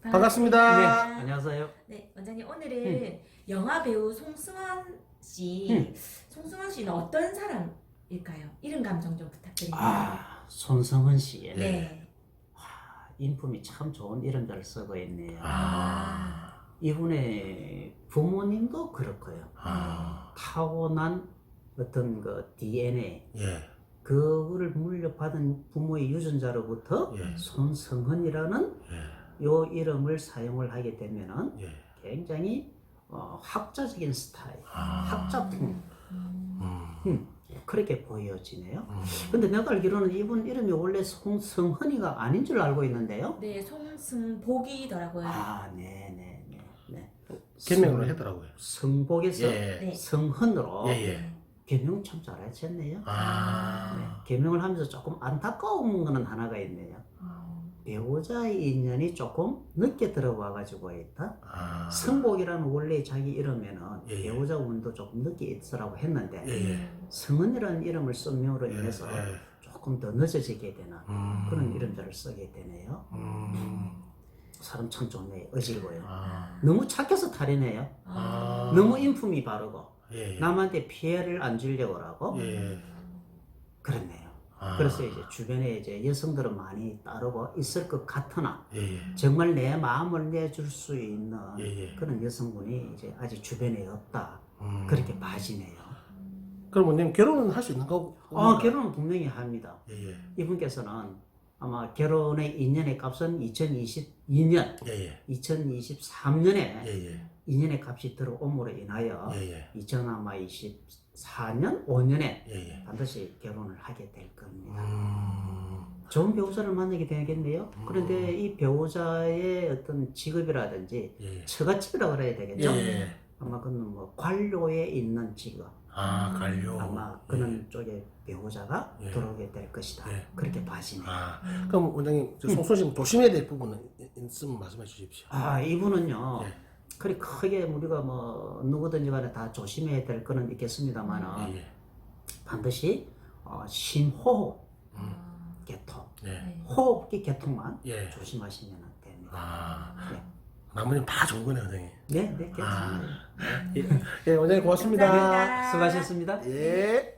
반갑습니다. 네, 안녕하세요. 네, 원장님 오늘은 영화 배우 송승헌 씨. 송승헌 씨는 어떤 사람일까요? 이름 감정 좀 부탁드립니다. 손성은 씨의 네. 인품이 참 좋은 이름들을 쓰고 있네요. 아. 이분의 부모님도 그렇고요. 타고난 어떤 그 DNA, 예. 그거를 물려받은 부모의 유전자로부터 예. 손성헌이라는 예. 요 이름을 사용을 하게 되면은 예. 굉장히 학자적인 스타일, 아. 학자풍 음. 그렇게 보여지네요. 근데 내가 알기로는 이분 이름이 원래 송성헌이가 아닌 줄 알고 있는데요. 네, 송승복이더라고요. 네네네. 네. 개명으로 했더라고요. 성복에서 예. 네. 성헌으로 예. 개명 참 잘하셨네요. 네. 아. 개명을 하면서 조금 안타까운 거는 하나가 있네요. 배우자의 인연이 조금 늦게 들어와 가지고 있다. 아. 성복이라는 원래 자기 이름에는 예. 배우자 운도 조금 늦게 있으라고 했는데 예. 성헌이라는 이름을 쓴명으로 예. 인해서 예. 조금 더 늦어지게 되는 그런 음. 이름자를 쓰게 되네요. 음. 사람 참 좋네요. 어질고요. 아. 너무 착해서 탈이네요. 아. 너무 인품이 바르고 예. 남한테 피해를 안 주려고 하고 예. 그렇네요. 아. 그래서 이제 주변에 이제 여성들은 많이 따르고 있을 것 같으나 예. 정말 내 마음을 내줄 수 있는 예. 그런 여성분이 이제 아직 주변에 없다. 그렇게 봐지네요. 그럼 원님 결혼은 할 수 있는 거고? 결혼은 분명히 합니다. 예. 이분께서는 아마 결혼의 인연의 값은 2022년, 예. 2023년에 예. 인연의 값이 들어옴으로 인하여 예. 2024년, 5년에 예. 반드시 결혼을 하게 될 겁니다. 음. 좋은 배우자를 만나게 되겠네요. 그런데 이 배우자의 어떤 직업이라든지 예. 처갓집이라고 그래야 되겠죠? 예. 아마 그는 뭐 관료에 있는 직업, 아, 관료. 아마 그런 쪽에 배우자가 예. 들어오게 될 것이다. 예. 그렇게 봐지네요. 아, 그럼 원장님 송순 씨는 조심해야 될 부분은 있으면 말씀해 주십시오. 이분은요. 예. 그리 크게 우리가 뭐 누구든지 간에 다 조심해야 될 거는 있겠습니다만은 예. 반드시 심호흡 개통, 예. 호흡기 개통만 예. 조심하시면 됩니다. 아, 네. 나머지는 다 좋은 거네요, 원장님. 네, 괜찮습니다. 예, 원장님 고맙습니다. 감사합니다. 수고하셨습니다. 예.